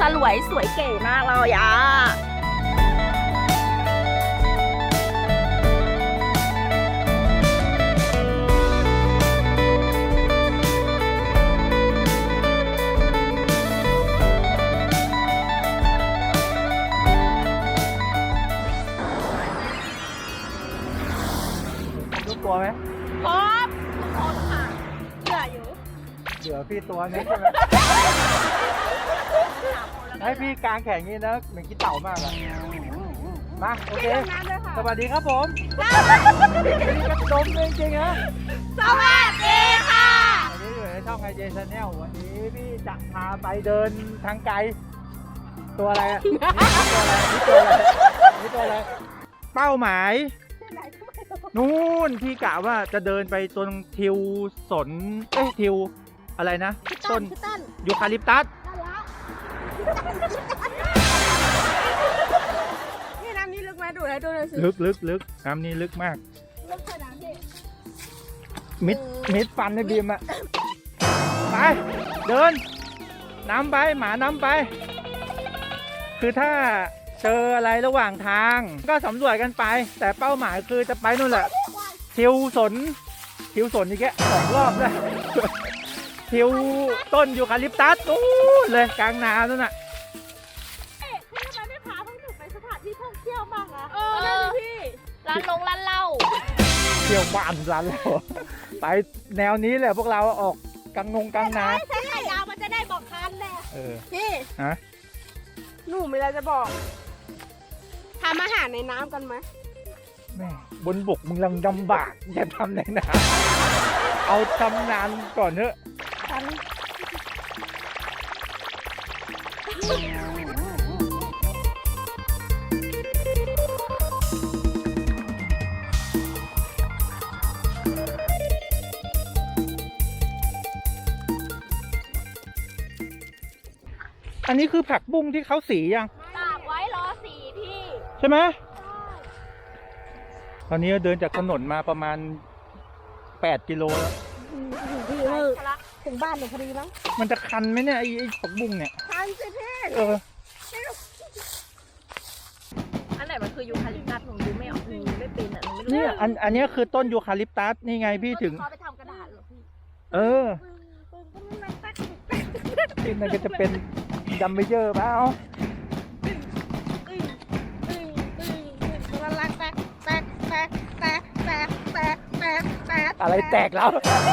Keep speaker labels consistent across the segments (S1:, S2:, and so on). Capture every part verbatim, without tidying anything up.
S1: ลวยสวยเก๋มากเลยอ่ะ
S2: ลูกตัวไหม
S1: พร้อมทุกคนค่ะเหลืออยู่
S2: เหลือพี่ตัวนึงใช่ไหม ให้พี่กางแขนงี้นะเหมือนกินเต่ามากอะมาโอเคสวัสดีครับผมนี่ก็ดมเลยจริงๆนะ
S1: สวัสดีค่ะ
S2: วันนี้อยู่ในช่องไอเจชาแนลวันนี้พี่จะพาไปเดินทางไกลตัวอะไรอะตัวอะไรนี่ตัวอะไรนี่ตัวอะไรเป้าหมายนู่นพี่กะว่าจะเดินไปตรงทิวสนเอ้ยทิวอะไรนะต้นยูคาลิปตัส
S1: นี่น้ำนี้ลึกไหมดูให้ดูเลยสิ
S2: ลึกลึกลึกน้ำนี้ลึกมาก
S1: ลึกขนาดนี้
S2: มิดมิดฟันในบีมอะไปเดินน้ำไปหมาน้ำไป คือถ้าเจออะไรระหว่างทางก็สำรวจกันไป แต่เป้าหมายคือจะไปนู่นแหละทิวสนทิวสนอีกแค่สองรอบเลยทิวต้นยูคาลิปตัสนู้นเลยกลางนานั่นน่ะ
S1: เอ๊ะทำไมไม่พาพวกหนูไปสถานที่ท่องเที่ยวบ้างอะเออนั่นสิพี่ร้านลงร้านเหล้า
S2: เที่ยวบ้านร้านเราไปแนวนี้แหละพวกเราออกกลางงงกลางนา
S1: ใช้ขายาวมันจะได้บอกคันแหละ
S2: เออ
S1: พี่
S2: ฮะ
S1: หนูมีอะไรจะบอกทำอาหารในน้ำกันไหม
S2: แม่บนบกมึงลังลำบากอย่าทำในน้ำเอาทำนานก่อนเถอะ
S1: กัน
S2: อันนี้คือผักบุ้งที่เขาสียัง
S1: ตากไว้รอสีพี่
S2: ใช่ไหมตอนนี้เดินจากถนนมาประมาณแปดกิโลแล้ว
S1: พี่เออถึงบ้านหนูพอดีมั้ง
S2: มันจะคันไหมเนี่ยไอ้ไอ้ผักบุ้งเนี่ย
S1: คันสิพี่
S2: เออ
S1: อันไหนมันคือยูคาลิปตัสหนูดูไม่ออกหนูไม่เป็นอ่ะหนูไม่รู้
S2: เนี่ยอันอันนี้คือต้นยูคาลิปตัสนี่ไงพี่ถึง
S1: เขาไปทำกระดาษเหรอพี่
S2: เออที่มันก็จะเป็นดัมเบลเยอร์เปล่า
S1: มันรักแตกแตกแตกแตกแตกแตกแตกแตก
S2: อะไรแตกแล้ว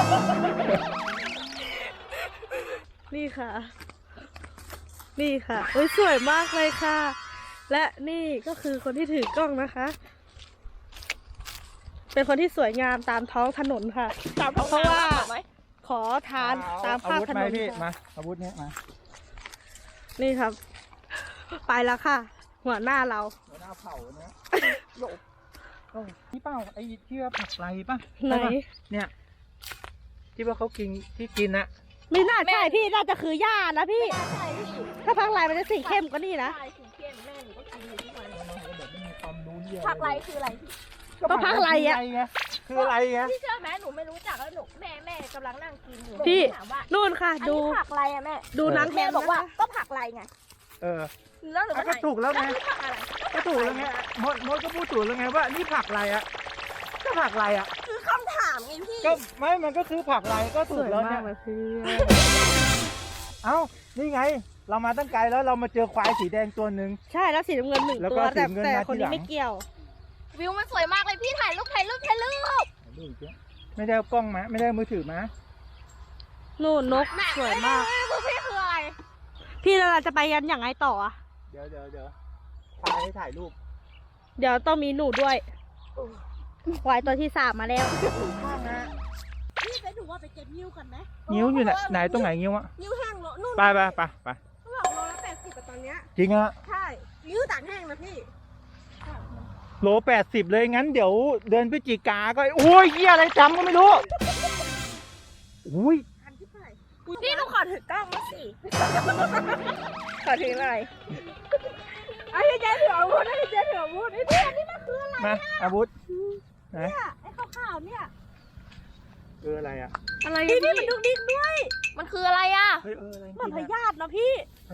S3: นี่ค่ะ นี่ค่ะโอ้ยสวยมากเลยค่ะ และนี่ก็คือคนที่ถือกล้องนะคะ เป็นคนที่สวยงามตามท้องถนนค่ะ
S1: ตามเพราะว่า
S3: ขอทานตามภาพ
S2: อาวุธ
S3: ถ
S2: ไห
S3: น
S2: ม
S3: น
S2: พี่
S3: ค่ะ
S2: มาอาวุธเนี้ยมา
S3: นี่ครับ ไปแล้วค่ะ หัวหน้าเรา
S2: หัวหน้าเผ่าเนี้ยโลกเอ้านี่เป้าไอ้ที่ว่าผักไรป่ะ
S3: ไหน
S2: ใช่ปะเนี่ยที่ว่าเขากินที่กินอะ
S3: ไม่น่าใช่พี่น่าจะคือหญ้านะพี่
S1: ใช่พี่
S3: ถ้าพักลายมันจะสีเข้มกว่านี่นะ
S1: ใช่สีเข้มแม่หนูก็กินอยู่ทุกวัน
S2: แบบไม่มีความรู้เยอะ
S1: ผักไรคืออะไรพี่
S3: ก็ผักไรอะ
S2: ไงคืออะไรไง
S1: พี่เชื่อไหมหนูไม่รู้จักแล้วหนูแม่แม่กำลังนั่งกินอยู่
S3: พี่
S1: ถามว่า
S3: นู่นค่ะ
S1: อัน
S3: ดู
S1: นี้ผักอะไรอะแม่
S3: ดูนัง
S1: แม่
S3: แม่
S1: บอกว่าก็ผักไรไง
S2: เออ
S1: แล้วหนูก็
S2: ก็
S1: ถาม
S2: ถูกแล้วไง
S1: คือผักอะไร
S2: ก็ถูกแล้วไงมดมดก็พูดถูกแล้วไงว่านี่ผักอะไรอะก็ผักอะไรอะ
S1: คือคำถามไงพี่
S2: ก็ไม่มันก็คือผักอะไรก็
S3: ส
S2: ถูก
S3: วย
S2: แล้ว
S3: มา
S2: เนี่
S3: ก
S2: ย
S3: เลยพี่
S2: เอ้านี่ไง เรามาตั้งไกลแล้วเรามาเจอควายสีแดงตัวหนึ่ง
S3: ใช่แล้วสีน้ำเงินหนึ่ง
S2: แล้ว
S3: ตั
S2: ก็
S3: ว
S2: สี
S3: แต่
S2: น้ำเงิน
S3: แต่
S2: มา
S3: คน
S2: ทีหลั
S3: นี้
S2: ง
S3: ไม่เกี่ยว
S1: วิวมันสวยมากเลยพี่ถ่ายรูปถ่ายรูปถ่ายรูป
S2: ไม่ได้เอากล้องมาไม่ได้เอามือถือมา
S3: นู่นนกสวยมาก
S1: พวกพี่คืออะไร
S3: พี่แล้วเราจะไปกันอย่างไรต่ออะ
S2: เดี๋ยวเดี๋ยวเดี๋ยวควายให้ถ่ายรูป
S3: เดี๋ยวต้องมีหนูด้วยควายตัวที่สามมาแล้ว
S2: ข้างนะ
S1: พี่ไปดูว่าไปเก็บนิ้วกันไหม
S2: นิ้วอยู่ไหนไหนตรงไหนนิ้วอะ
S1: นิ้วแห้งโลนู่น
S2: ไปไปไปไป
S1: เขาบอกโลละแปดสิบตอนเนี้ย
S2: จริงอะ
S1: ใช่นิ้วต่างแห้งนะพี่
S2: โลแปดสิบเลยงั้นเดี๋ยวเดือนพฤศจิกาก็โอ้ยเหี้ยอะไรจำก็ไม่รู้อุ้ย
S1: พันที่เท่าไหร่พี่ต้องขอถือกล้องมาสิขอถือหน่อยไอ้เจ๊ถืออาวุธไอ้เจ๊ถืออาวุธไอ้พี่อันนี้มันคืออะไร
S2: มาอาวุธไหน
S1: เนี่ยไอ้ขาวๆเนี่ย
S2: เอออะไรอะ
S3: อะไร
S1: พี่
S3: พี่
S1: พี่มันดุกดิกด้วย มันคืออะไรอ่ะ
S2: เฮ้ยเอออะไร
S3: เหมือนพ
S2: กินอะ
S3: ยาธินะพี่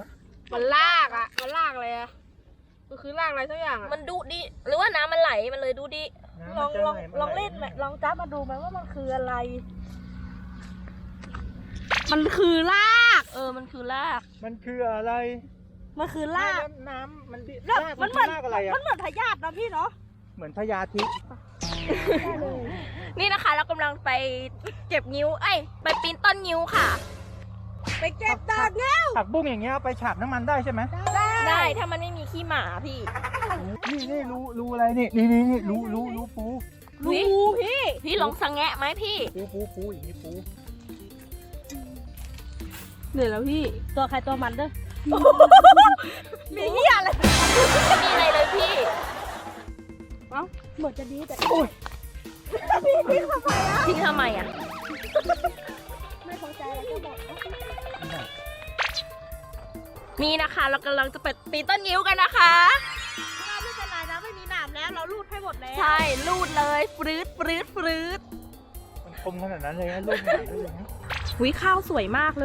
S3: มันลากอ่ะมันลากอะไรอ่ะมันคือลากอะไรสักอย่างอ่ะ
S1: มันดุดิหรือว่าน้ำมันไหลมันเลยดุดิ
S2: น้ำ
S3: ล
S2: มั
S3: อน ง
S2: จะ
S3: ลอง
S2: ไห
S3: ลองเล่นไหมลองจับมาดูไหมว่ามันคืออะไร มันคือลาก
S1: เออมันคือราก
S2: มันคืออะไร
S3: มันคือลาก
S2: น้ำน้ำมันดิ
S3: ลาก
S2: ราก
S3: มั
S2: มัน น
S3: เหมือน
S2: รากอะไรอ่ะ
S3: มันเหมือนพยาธินะพี่เนาะ
S2: เหมือนพญาธิ
S1: นี่นะคะเรากำลังไปเก็บนิ้วเอ้ยไปปีนต้นนิ้วค่ะ
S3: ไปเก็บดอกเนี่ย
S2: ผักบุ้งอย่างเงี้ยเอาไปฉาบน้ำมันได้ใช่ไหม
S1: ได้ถ้ามันไม่มีขี้หมาพี่
S2: นี่นี่รู้รู้อะไรนี่นี่นี่นี่รู้รู้รู้ปู
S1: รู้พี่ พี่ลองสังแงะไหมพี่
S2: ปูปูปูอย่างนี้ปู
S3: เหนื่อยแล้วพี่ตัวใครตัวมันเด้อ
S1: มีเหี้ยอะไรไม่มีอะไรเลยพี่
S3: เอ้าเหมือนจะดีแต่
S2: โอ้ย
S1: ทิ้งทำไมอ่ะ
S3: ไม่พอใจแล้วก็บอก
S1: นี่นะคะเรากำลังจะไปปีนต้นนิ้วกันนะคะ
S3: ไม่เป็นไรนะไม่มีหนามแล้วเราลูดให้หมดแล้ว
S1: ใช่ลูดเลยฟรืดฟรืดฟรืด
S2: มันคมขนาดนั้นเลยนะลูกหนาเลยนะ
S1: หุยข้าวสวยมากเลย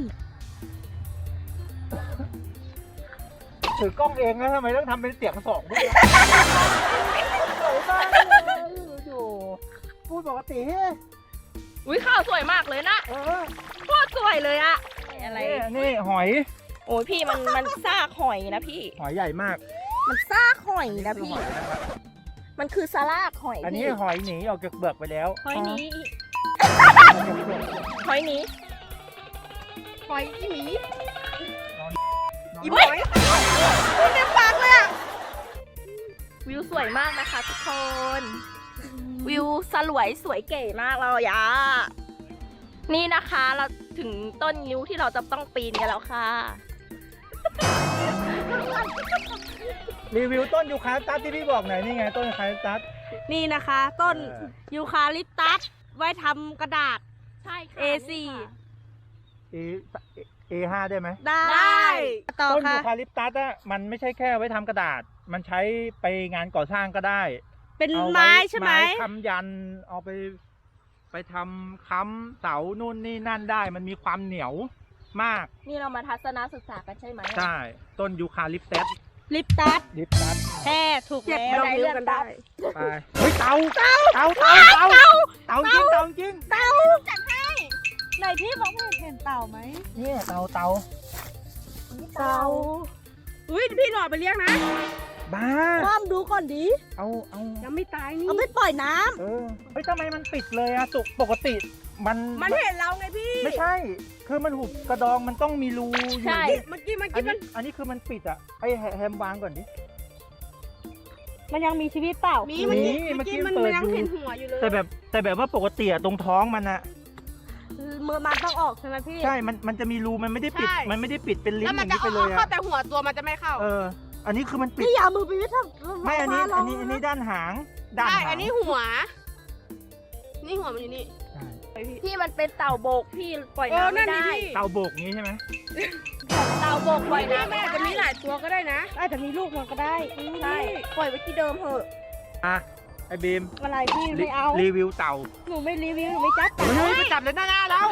S2: ถือกล้องเองนะทำไมต้องทำเป็นเสียงสองด้วยสวยมากเลยอยู่พูดปกติเฮ้ย
S1: หุยข้าวสวยมากเลยนะ
S2: เออ
S1: โคตรสวยเลยอะอะไร
S2: นี่นี่หอย
S1: โอ้ยพี่มันมันซากหอยนะพี่
S2: หอยใหญ่มาก
S1: มันซากหอยนะ
S2: คือ
S1: พี่
S2: หอยนะครับ
S1: มันคือซาลากหอย
S2: อันนี้
S1: พี่
S2: หอยหนีออกจากเบือกไปแล้ว
S1: หอยนี้หอยนี้
S3: หอยอีหมี
S2: อี
S1: เฮ้ยพูดเต็มปากเลยอะวิวสวยมากนะคะทุกคน วิวสลวยสวยเก๋มากเลยอะนี่นะคะเราถึงต้นนิ้วที่เราจะต้องปีนกันแล้วค่ะ
S2: รีวิวต้นยูคาลิปตัสที่พี่บอกหน่อยนี่ไงต้นยูคาลิปตัส
S3: นี่นะคะ ต้นยูคาลิปตัสไว้ทำกระดาษ
S1: ใช่ค่ะ
S3: เอ สี่
S2: เอเอห้าได้ไหม
S3: ได้ต่อ
S2: ต้น
S3: ค่ะ
S2: ยูคาลิปตัสอะมันไม่ใช่แค่ไว้ทำกระดาษ มันใช้ไปงานก่อสร้างก็ได้
S3: เป็น
S2: เอา
S3: ไม้ใช่ไหม
S2: ค้ำยันเอาไปไปทำค้ำเสานู่นนี่นั่นได้ มันมีความเหนียวมาก
S1: นี่เรามาทัศนศึกษากันใช่ไหม
S2: ใช่ต้นยูคาลิปตัส
S3: ลิปตัส
S2: ลิปตัส
S3: แท้ถูก
S1: เจ็บ
S3: แล้ว
S1: บันไดเลื่อนได้
S2: ไปเฮ้ยเต่าเต่าเต่าเต่าเต่าเต่าจริงเต่าจริง
S3: เต่าจัดให้ไหนพี่บอกว่าเห็นเต่าไหม
S2: เนี่ยเต่าเต่า
S3: เต่าอุ้ยพี่หน่อยไปเลี้ยงนะ
S2: บ้า
S3: ความดูก่อนดิ
S2: เอาเอา
S3: ยังไม่ตายนี่เอาไปปล่อยน้ำ
S2: เออเฮ้ยทำไมมันปิดเลยอะตุกปกติมัน
S3: มันเห็นเราไงพี่
S2: ไม่ใช่ คือมันหุบกระดองมันต้องมีรูอยู่
S1: ใช่
S3: เมื่อกี้เมื่อ
S2: อัน
S3: กี้มั
S2: นี้
S3: น
S2: อันนี้คือมันปิดอะไอแฮมวางก่อนดิ
S3: มันยังมีชีวิตเปล่า
S2: มี
S3: มี
S2: เมื่อกี้มันเปิดอยู่
S3: เห็นหัวอยู่เลย
S2: แต่แบบแต่แบบว่าปกติอะตรงท้องมันอะ
S3: มือมันต้องออกใช่ไหมพี่
S2: ใช่ มันมันจะมีรูมันไม่ได้ปิด
S3: ใช่
S2: มันไม่ได้ปิดเป็นลิ้น
S3: แล้ว
S2: อ
S3: มัน
S2: ย่าง
S3: จะ
S2: นี้ไปเลย
S3: เข้า
S2: อะ
S3: แต่หัวตัวมันจะไม่เข้า
S2: เออ อันนี้คือมันปิด
S3: พี่อย่าเอามือไปวิทำ
S2: ไม่อันนี้อันนี้อันนี้ด้านหางด้าน
S3: ใช่
S2: หาง
S3: อันนี้หัว นี่หัวมันอยู่นี่
S2: ใช่
S1: พี่มันเป็นเต่าโบกพี่ปล่อย
S3: เออ
S1: น้ำ
S3: นั่
S1: ไม่
S3: นนี่
S1: ได้
S3: พี่
S2: เต่าโบกงี้ใช่ไหม
S1: เต่าโบกปล่อย
S3: นี่
S1: น้ำ
S3: แม่
S1: ไม่
S3: อาจจะมีห
S1: ได้
S3: ลายตัวก็ได้นะ อาจจะมีลูกมันก็ได้
S1: ใช่ปล่อยไว้ที่เดิมเถอะ
S2: อ่ะไอบีม
S3: อะไรพี่ไม่เอา
S2: รีวิวเต่า
S3: หนูไม่รีวิวหนูไม่จับ
S2: เฮ้ยไปจับเลยหน้าหน้าเรา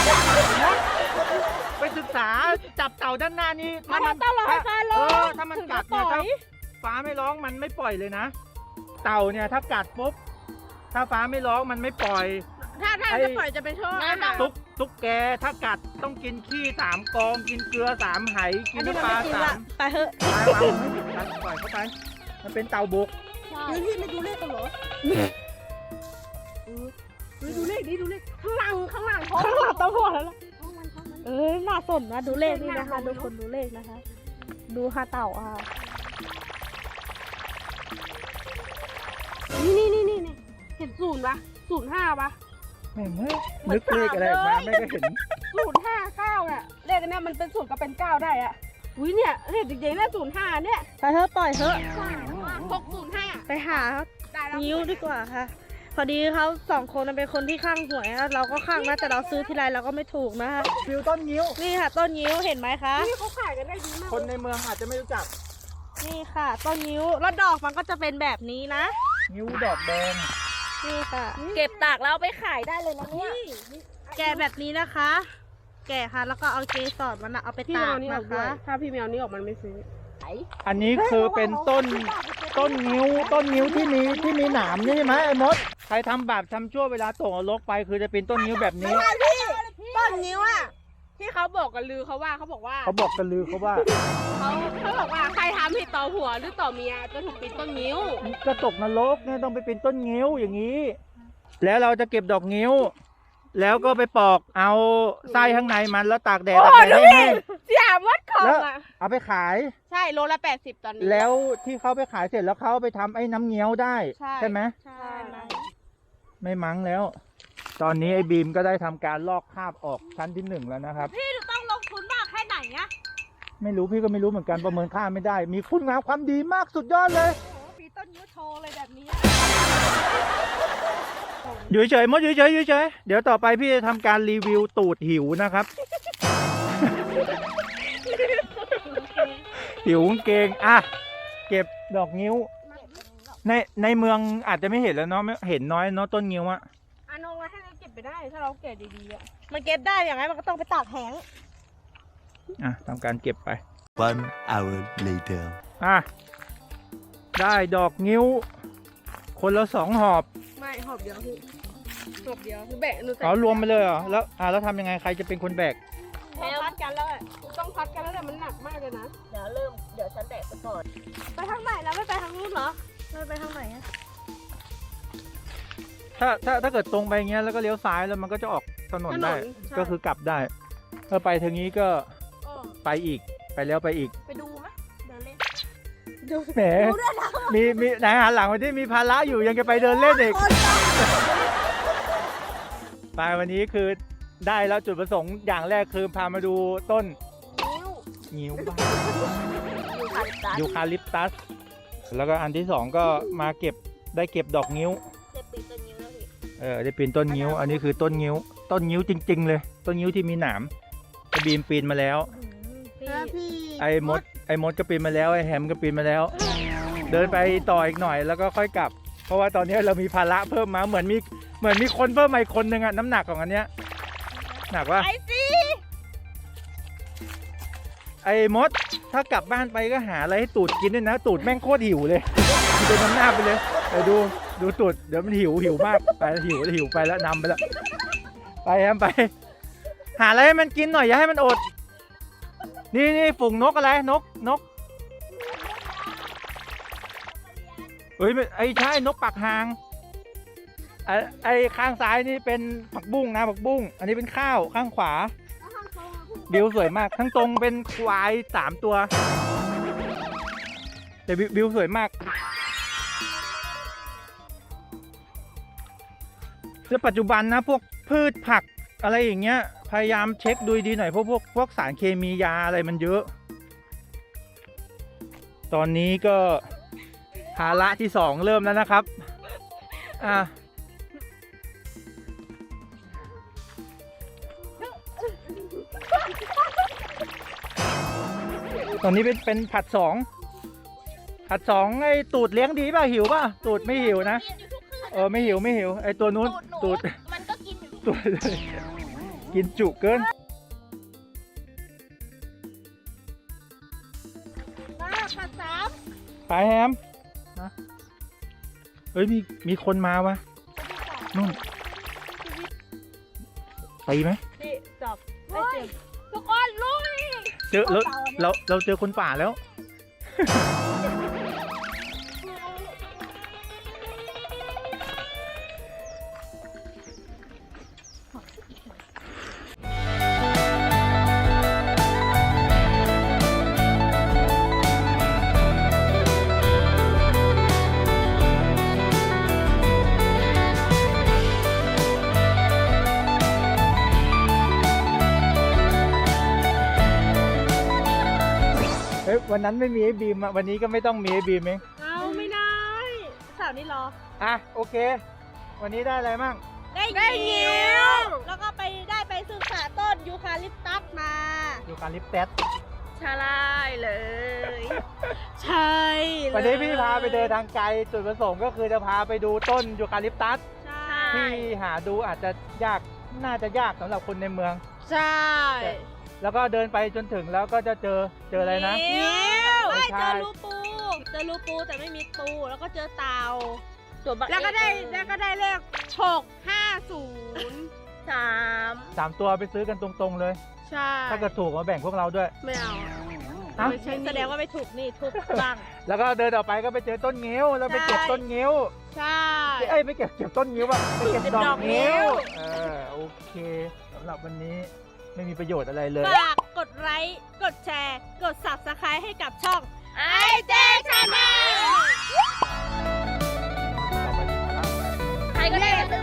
S2: ไปศึกษาจับเต่าด้านหน้านี้
S3: มันต้องรอให้ฟ้า
S2: เอ
S3: ร้อ
S2: อง ถ้ามันกัดเนี่ยถ้าฟ้าไม่ร้องมันไม่ปล่อยเลยนะ เต่าเนี่ยถ้ากัดปุ๊บถ้าฟ้าไม่ร้องมันไม่ปล่อย
S3: ถ้าถ้า
S2: ไอ้
S3: จะปล่อยจะเป็นช่ออาหาร
S2: ตุ๊กตุ๊กแกถ้ากัดต้องกินขี้สามกองกินเกลือสามไหกิ
S3: อั
S2: น
S3: นนี้มัน
S2: น้ำปลา
S3: ไม่กิน
S2: สา
S3: ละ
S2: ม
S3: ไปเถอะ
S2: ปลาวางตัดปล่อยเข้าไปมันเป็นเต่าบก
S1: ใช่
S3: พี่ไม่ดูเลขกันเหรอดูเลขดิดูเลขข้างหลังข้างหลังข้างหลังต้องหัวแล้วล่ะเออน่าสนนะดูเลขนี่นะคะดูคนดูเลขนะคะ ดูฮาเต่าอ่ะนี่นี่นี่นี่เห็นศูนย์ปะศูนย์ห้าปะ
S2: แม่งเฮ้ยนึกเลขอะไรออกมาไม่ก็เห็น
S3: ศูนย์ห้าเก้าเนี่ยเลขอันเนี้ยมันเป็นศูนย์กับเป็นเก้าได้อ่ะอุ้ยเนี่ยเลขจริงๆเนี่ยศูนย์ห้าเนี่ยไปเถอะปล่อยเถอะหกศูนย์ห้าไปหานิ้วดีกว่าค่ะ พอดีเขาสองคนเป็นคนที่ข้างหวยนะเราก็ข้างนะแต่เราซื้อทีไรเราก็ไม่ถูกนะคะ
S2: ฟิวต้นนิ้ว
S3: นี่ค่ะต้นนิ้วเห็นไหมคะนี่เขาขายกันได้ดีมาก
S2: คนในเมืองอาจจะไม่รู้จัก
S3: นี่ค่ะต้นนิ้วแล้วดอกมันก็จะเป็นแบบนี้นะ
S2: นิ้วดอกแดง
S3: นี่ค่ะ
S1: เก็บตากแล้วเอาไปขายได้เลยนะเนี่ย
S3: แกะแบบนี้นะคะ แแกะค่ะ แล้วก็เอาเกสรมันอะเอาไป
S4: พี่
S3: ตา
S4: เอา
S3: ก
S4: นี้อ
S3: นะ
S4: อกด้วย
S3: คะ
S4: ถ้าพี่แมวนี้ออกมันไม่ซื้อ
S2: อันนี้คือเป็นต้นต้นงิ้วต้นงิ้วที่มีที่มีหนามนี่ใช่ไหมไอ้มดใครทำบาปทำชั่วเวลาตกนรกไปคือจะเป็นต้นงิ้วแบบนี้
S4: ต้นนิ้วอ่ะที่เขาบอกกันลือเขาว่าเขาบอกว่า
S2: เขาบอกกันลือเขาว่า
S4: เขาเขาบอกว่าใครทำผิดต่อผัวหรือต่อเมียจะถูกปิดต้นนิ้ว
S2: ก็ตกนรกเนี่ยต้องไปเป็นต้นงิ้วอย่างนี้ แล้วเราจะเก็บดอกงิ้ว แล้วก็ไปปอกเอาไส้ข้างในมันแล้วตากแดดตากแดดให้แห้ง
S4: เสียวัดของ
S2: แล้ว
S4: อ่ะ
S2: เอาไปขาย
S4: ใช่โลละแปดสิบตอนนี้
S2: แล้วที่เขาไปขายเสร็จแล้วเขาเอาไปทำไอ้น้ำเงี้ยวได้
S4: ใช่
S2: ไหม
S4: ใช่
S2: ไม่มั้งแล้ว ตอนนี้ไอ้บีมก็ได้ทำการลอกคราบออกชั้นที่หนึ่งแล้วนะครับ
S3: พี่ต้องลงทุนมากแค่ไหนอะ
S2: ไม่รู้พี่ก็ไม่รู้เหมือนกันประเมินค่าไม่ได้ มีคุณงามความดีมากสุดยอดเลย
S3: โอ้โหมีต้นยิ้วโชว์เลยแบบนี้
S2: อยู่เฉยๆมดอยู่เฉยๆอยู่เฉยๆเดี๋ยวต่อไปพี่จะทำการรีวิวตูดหิวนะครับ หิวกางเกงอ่ะเก็บดอกงิ้ว ในในเมืองอาจจะไม่เห็นแล้วเนาะไม่เห็นน้อยเนาะต้นงิ้วอะ
S4: อันนงเราให้เราเก็บไปได้ถ้าเราเก็บดีๆอ่ะ
S3: มันเก็บได้อย่างไรมันก็ต้องไปตากแห้ง
S2: อ่ะทำการเก็บไป
S5: One hour later.
S2: อ่ะได้ดอกงิ้ว คนละสองหอบ
S4: ไม่หอบเดียวคือหอบเดียวคือแบะหนูใส่
S2: อ๋อรวมไปเลยเหรอแล้วอ่ะแล้วทำยังไงใครจะเป็นคนแบก
S4: ต้องพัดกันแล้วอะต้องพัดกันแล้วแต่มันหนักมากเลยนะ
S1: เดี๋ยวเริ่ม เดี๋ยวฉันแบกไปก่อน
S3: ไปทางไหนแล้วไม่ไปทางนู้นเหรอไม่ไปทางไหนอะ
S2: ถ้าถ้าถ้าเกิดตรงไปอย่างเงี้ยแล้วก็เลี้ยวซ้ายแล้วมันก็จะออกถนนได้
S4: ถนนใช่
S2: ก็คือกลับได้ถ้าไปทางนี้ก็ไปอีกไปแล้วไปอีก
S1: ไปดูไหมเดินเล่น
S2: แหมมีมีไหนหันหลังไปที่มีภาระอยู่ยังจะไปเดินเล่นอีกไปวันนี้คือได้แล้วจุดประสงค์อย่างแรกคือพามาดูต้นงิ้วบ้า
S1: อยู่คันตัส
S2: ยูคาลิปตัส แล้วก็อันที่สองก็มาเก็บได้เก็บดอกงิ้ว
S1: เจ็บปีกตัวนิ้วแล้วพี่
S2: เออได้ปีนต้นงิ้ว อันนี้คือต้นงิ้ว ต้นงิ้วจริง ๆ เลย ต้นงิ้วที่มีหนามไอ้บีมปีนมาแล้ว
S3: พี่
S2: ไอ้มด ไอ้มดก็ปีนมาแล้ว ไอ้แฮมก็ปีนมาแล้ว เดินไปต่ออีกหน่อยแล้วก็ค่อยกลับ เพราะว่าตอนนี้เรามีภาระเพิ่มมา เหมือนมี เหมือนมีคนเพิ่มมาอีกคนนึงอะน้ำหนักของอันเนี้ย หนักว่า
S3: ไอซี
S2: ไอ้มด ถ้ากลับบ้านไปก็หาอะไรให้ตูดกินด้วยนะ ตูดแม่งโคตรหิวเลยเดินนำหน้าไปเลยไปดู ดูตูด เดี๋ยวมันหิว หิวมาก ไปหิวหิวไปแล้วนำไปแล้ว ไปแฮมไป หาอะไรให้มันกินหน่อยอย่าให้มันอด นี่นี่ฝูงนกอะไรนกนกเฮ้ยไม่ไอ้ใช่นกปากหางไอ้ไอ้ข้างซ้ายนี่เป็นผักบุ้งนะผักบุ้งอันนี้เป็นข้าวข้างขวาบิวสวยมากทั้งตรงเป็นควายสามตัวแต่บิวบิวสวยมากแล้วปัจจุบันนะพวกพืชผักอะไรอย่างเงี้ยพยายามเช็คดูดีหน่อยเพราะพวกพวกสารเคมียาอะไรมันเยอะ ตอนนี้ก็ภาระที่สองเริ่มแล้วนะครับอ่ะตอนนี้เป็นเป็นผัดสองผัดสองไอ้ตูดเลี้ยงดีป่ะหิวป่ะตูดไม่หิวนะเออไม่หิวไม่หิวไอ้ตัวนู้นตูด
S1: มันก็กินอยู่
S2: ตัวกินจุเกิน
S3: มาผัดสาม
S2: ไปแฮมนะเฮ้ยมีมีคนมาวะนู่นตีไหม
S3: พี่จับไอเจ็บทุกคนลุย
S2: เจอแล้วเราเราเจอคนป่าแล้ว เฮ้ยวันนั้นไม่มีไอ้บีมอะวันนี้ก็ไม่ต้องมีไอ้บีมเอง
S3: เอาไม่ได้สาวนี่รอ
S2: อ่ะโอเค วันนี้ได้อะไรมั่ง
S3: ได้งิ้วแล้วก็ไปได้ไปศึกษาต้นยูคาลิปตัสมา
S2: อยู่การลิปแตส
S1: ใช่เลย
S3: ใช่เลย
S2: วันนี้พี่พาไปเดินทางไกลจุดประสงค์ก็คือจะพาไปดูต้นยูคาลิปตัส
S3: ใช่
S2: ที่หาดูอาจจะยากน่าจะยากสำหรับคนในเมือง
S3: ใช่
S2: แล้วก็เดินไปจนถึงแล้วก็จะเจอเจออะไรนะ
S3: นิ้ว
S2: ไม่
S3: ไม่
S2: ใช่
S3: เจอรูปู เจอรูปูแต่ไม่มีตู แล้วก็เจอเต่า
S1: ส่วนบัก
S3: แล้วก็ได้
S1: เอ
S3: แล้วก็ได้เลขหกห้าศูนย์
S1: สาม
S2: สามตัวไปซื้อกันตรงๆเลย
S3: ใช่
S2: ถ้าเกิดถูกมาแบ่งพวกเราด้วย
S3: ไม่เอา
S2: ฮะ
S3: ไม่ใช่แสดงว่าไม่ถูกนี่ทุกบ้าง
S2: แล้วก็เดินต่อไปก็ไปเจอต้นงิ้วแล้วไปเก็บ
S3: ใช่
S2: ต้นงิ้ว
S3: ใช่
S2: เอ้ยไม่เก็บเก็บต้นงิ้วอะไปเก็บ
S3: เก็บ
S2: ดอ
S3: ดอก
S2: ก
S3: งิ้
S2: งิ้ว
S3: ว
S2: เออโอเคสำหรับวันนี้ไม่มีประโยชน์อะไรเลย
S3: ฝากกดไลค์ กดแชร์ กด ซับสไครบ์ ให้กับช่อง
S1: ไอเจชาแนลใครก็ได้ซื้อ